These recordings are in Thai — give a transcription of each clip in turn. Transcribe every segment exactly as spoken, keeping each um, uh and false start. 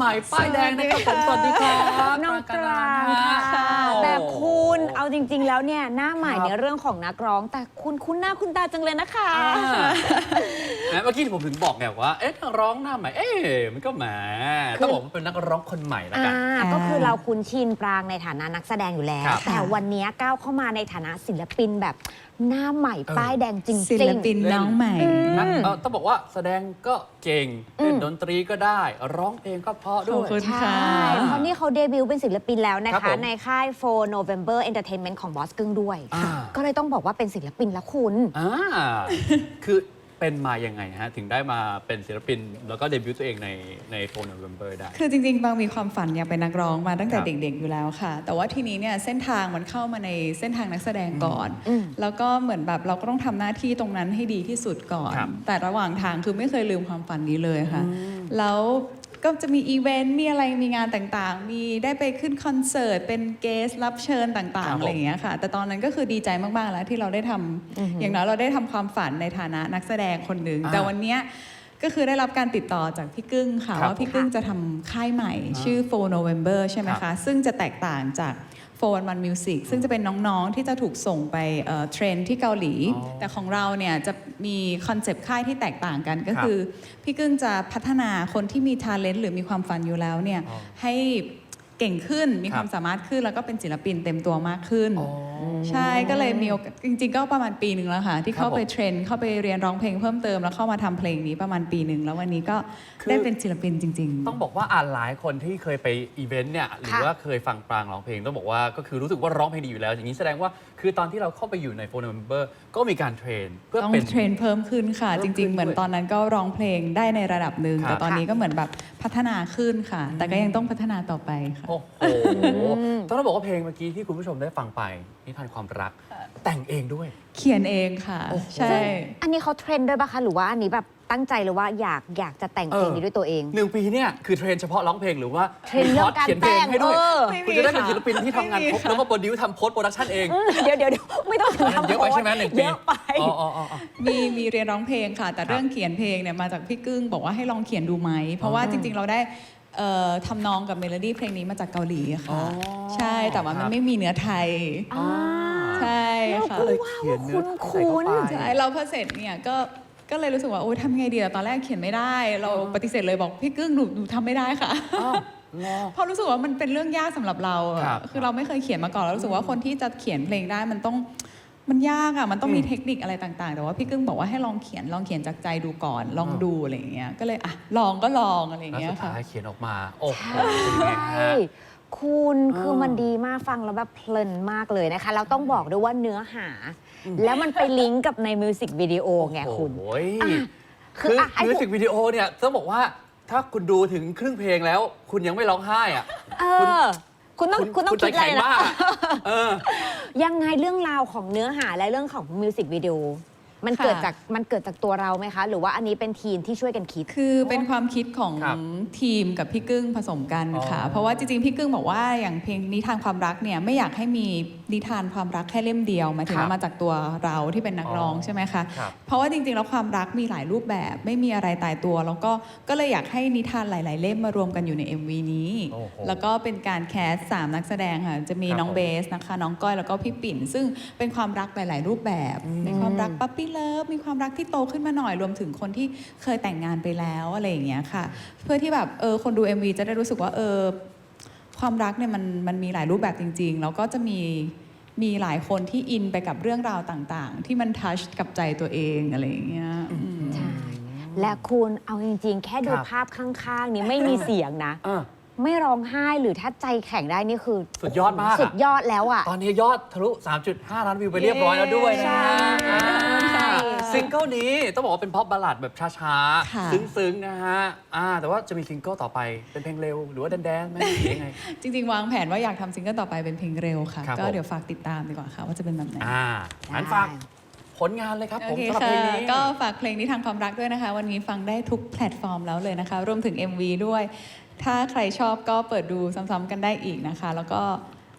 ม่ป้ายแดงนะครับผมสวัสดีครับน้องปรางค่ะแต่คุณเอาจริงๆแล้วเนี่ยหน้าใหม่ในเรื่องของนักร้องแต่คุณคุ้นหน้าคุณตาจังเลยนะคะเมื่อกี้ผมถึงบอกไงว่าเอ๊ะนักร้องหน้าใหม่เอ๊ะมันก็แหมต้องบอกว่าเป็นนักร้องคนใหม่ละกันก็คือเราคุ้นชินปรางในฐานะนักแสดงอยู่แล้วแต่วันนี้ก้าวเข้ามาในฐานะศิลปินแบบหน้าใหม่ป้ายแดงจริงๆศิลปินน้องใหม่ต้องบอกว่าแสดงก็เก่งเล่นดนตรีก็ได้ร้องเพลงก็เพราะด้วยใช่เพราะนี่เขาเดบิวต์เป็นศิลปินแล้วนะคะในค่าย โฟร์ โนเวมเบอร์ Entertainment ของบอสกึ้งด้วยก็เลยต้องบอกว่าเป็นศิลปินละคุณคือเป็นมายังไงฮะถึงได้มาเป็นศิลปินแล้วก็เดบิวต์ตัวเองในใน โฟร์ โนเวมเบอร์ ได้คือจริงๆบางมีความฝันอยากเป็นนักร้องมาตั้งแต่เด็กๆอยู่แล้วค่ะแต่ว่าทีนี้เนี่ยเส้นทางมันเข้ามาในเส้นทางนักแสดงก่อนแล้วก็เหมือนแบบเราก็ต้องทำหน้าที่ตรงนั้นให้ดีที่สุดก่อนแต่ระหว่างทางคือไม่เคยลืมความฝันนี้เลยค่ะแล้วก็จะมีอีเวนต์มีอะไรมีงานต่างๆมีได้ไปขึ้นคอนเสิร์ตเป็นเกสรับเชิญต่างๆอะไรอย่างเงี้ยค่ะแต่ตอนนั้นก็คือดีใจมากๆแล้วที่เราได้ทำอย่างน้อยเราได้ทำความฝันในฐานะนักแสดงคนหนึ่งแต่วันนี้ก็คือได้รับการติดต่อจากพี่กึ้งค่ะว่าพี่กึ้งจะทำค่ายใหม่ชื่อ โฟร์ โนเวมเบอร์ ใช่ไหมคะซึ่งจะแตกต่างจาก โฟร์ วัน วัน Music ซึ่งจะเป็นน้องๆที่จะถูกส่งไปเทรนที่เกาหลีแต่ของเราเนี่ยจะมีคอนเซปต์ค่ายที่แตกต่างกันก็คือพี่กึ้งจะพัฒนาคนที่มีทาเลนต์หรือมีความฝันอยู่แล้วเนี่ยให้เก่งขึ้นมีความสามารถขึ้นแล้วก็เป็นศิลปินเต็มตัวมากขึ้นใช่ก็เลยมีจริงๆก็ประมาณปีหนึ่งแล้วค่ะที่เข้าไปเทรนเข้าไปเรียนร้องเพลงเพิ่มเติมแล้วเข้ามาทำเพลงนี้ประมาณปีหนึ่งแล้ววันนี้ก็ได้เป็นศิลปินจริงๆต้องบอกว่าอ่านหลายคนที่เคยไปอีเวนต์เนี่ยหรือว่าเคยฟังปรางร้องเพลงต้องบอกว่าก็คือรู้สึกว่าร้องเพลงดีอยู่แล้วอย่างนี้แสดงว่าคือตอนที่เราเข้าไปอยู่ใน โฟร์ โนเวมเบอร์ ก็มีการเทรนเพื่อเป็นเทรนเพิ่มขึ้นค่ะจริงๆเหมือนตอนนั้นก็ร้องเพลงได้ในระดับหนึ่งแต่ตอนนี้ก็เหมือนแบบพัฒนาขึ้นค่ะแต่ก็ยังต้องพัฒนาต่อไปค่ะโอ้โหต้องบอกว่าเพลงเมื่อกี้ที่คุณผู้ชมได้ฟังไปนิทานความรักแต่งเองด้วยเขียนเองค่ะใช่อันนี้เขาเทรนด้วยป่ะคะหรือว่าอันนี้แบบตั้งใจหรือว่าอยากอยากจะแต่งเพลงนี้ด้วยตัวเองหนึ่งปีเนี่ยคือเทรนเฉพาะร้องเพลงหรือว่าเทรนเรื่องการแต่งให้ด้วยคุณจะได้เป็นศิลปินที่ทำงานครบแล้วก็โปรดิวซ์ทำโพสต์โปรดักชั่นเองเดี๋ยวเดี๋ยวไม่ต้องทำเยอะไปใช่ไหมหนึ่งปีเยอะไปมีมีเรียนร้องเพลงค่ะแต่เรื่องเขียนเพลงเนี่ยมาจากพี่กึ้งบอกว่าให้ลองเขียนดูไหมเพราะว่าจริงๆเราได้ทำนองกับเมโลดี้เพลงนี้มาจากเกาหลีค่ะใช่แต่ว่ามันไม่มีเนื้อไทยใช่ค่ะก็เลยเขียนเนื้อคุ้นใช่เราพอเสร็จเนี่ยก็ก็เลยรู้สึกว่าโอ้ทำไงดีตอนแรกเขียนไม่ได้เราปฏิเสธเลยบอกพี่กึ้งหนูหนูทำไม่ได้ค่ะเพราะรู้สึกว่ามันเป็นเรื่องยากสำหรับเราคือเราไม่เคยเขียนมาก่อนเรารู้สึกว่าคนที่จะเขียนเพลงได้มันต้องมันยากอ่ะมันต้องมีเทคนิคอะไรต่างๆแต่ว่าพี่กึ้งบอกว่าให้ลองเขียนลองเขียนจากใจดูก่อนลองดูอะไรอย่างเงี้ยก็เลยอ่ะลองก็ลองอะไรอย่างเงี้ยค่ะสุดท้ายเขียนออกมาโอ้โหคุณคือมันดีมากฟังแล้วแบบเพลินมากเลยนะคะเราต้องบอกด้วยว่าเนื้อหาแล้วมันไปลิงก์กับในมิวสิกวิดีโอไงคุณคือมิวสิกวิดีโอเนี่ยต้องบอกว่าถ้าคุณดูถึงครึ่งเพลงแล้วคุณยังไม่ร้องไห้อ่ะคุณต้องคุณต้องคิดอะไรนะยังไงเรื่องราวของเนื้อหาและเรื่องของมิวสิกวิดีโอมันเกิดจากมันเกิดจากตัวเราไหมคะหรือว่าอันนี้เป็นทีมที่ช่วยกันคิดคือเป็นความคิดของทีมกับพี่กึ้งผสมกันค่ะเพราะว่าจริงๆพี่กึ้งบอกว่าอย่างเพลงนิทานความรักเนี่ยไม่อยากให้มีนิทานความรักแค่เล่มเดียวหมายถึงมาจากตัวเราที่เป็นนักร้องใช่ไหมคะเพราะว่าจริงๆแล้วความรักมีหลายรูปแบบไม่มีอะไรตายตัวแล้วก็ก็เลยอยากให้นิทานหลายๆเล่มมารวมกันอยู่ใน เอ็ม วี นี้แล้วก็เป็นการแคสสามนักแสดงค่ะจะมีน้องเบสนะคะน้องก้อยแล้วก็พี่ปิ่นซึ่งเป็นความรักหลายๆรูปแบบมีความรักปั๊ปปี้เลิฟมีความรักที่โตขึ้นมาหน่อยรวมถึงคนที่เคยแต่งงานไปแล้วอะไรอย่างเงี้ยค่ะเพื่อที่แบบเออคนดู เอ็ม วี จะได้รู้สึกว่าเออความรักเนี่ยมันมันมีหลายรูปแบบจริงๆแล้วก็จะมีมีหลายคนที่อินไปกับเรื่องราวต่างๆที่มันทัชกับใจตัวเองอะไรอย่างเงี้ยใช่และคุณเอาจริงๆแค่ดูภาพข้างๆนี้ไม่มีเสียงนะไม่ร้องไห้หรือถ้าใจแข็งได้นี่คือสุดยอดมากสุดยอดแล้วอ่ะตอนนี้ยอดทะลุ สามจุดห้า ล้านวิวไปเรียบร้อยแล้วด้วยนะซิงเกิลนี้ต้องบอกว่าเป็นพ็อปบัลลัดแบบช้าๆซึ้งๆนะฮะแต่ว่าจะมีซิงเกิลต่อไปเป็นเพลงเร็วหรือว่าแดนๆไหมยังไงจริงๆวางแผนว่าอยากทำซิงเกิลต่อไปเป็นเพลงเร็วค่ะก็เดี๋ยวฝากติดตามดีกว่าค่ะว่าจะเป็นแบบไหนอ่างั้นฝากผลงานเลยครับผมสำหรับเพลงนี้ก็ฝากเพลงนี้ทางความรักด้วยนะคะวันนี้ฟังได้ทุกแพลตฟอร์มแล้วเลยนะคะรวมถึง เอ็ม วี ด้วยถ้าใครชอบก็เปิดดูซ้ำๆกันได้อีกนะคะแล้วก็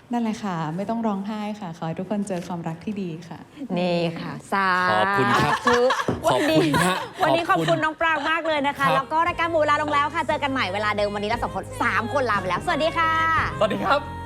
นั่นแหละค่ะ ไม่ต้องร้องไห้ค่ะ ขอให้ทุกคนเจอความรักที่ดีค่ะนี่ค่ะสาขอบคุณครับธุขอบคุณฮะวันนี้ขอบขอบคุคุณ ณน้องปรางมากเลยนะครัคะบแล้วก็รายการหมูเวลาลงแล้วค่ะ เจอกันใหม่เวลาเดิมวันนี้เราสองคนสามคนลาไปแล้ว สวัสดีค่ะสวัสดีครับ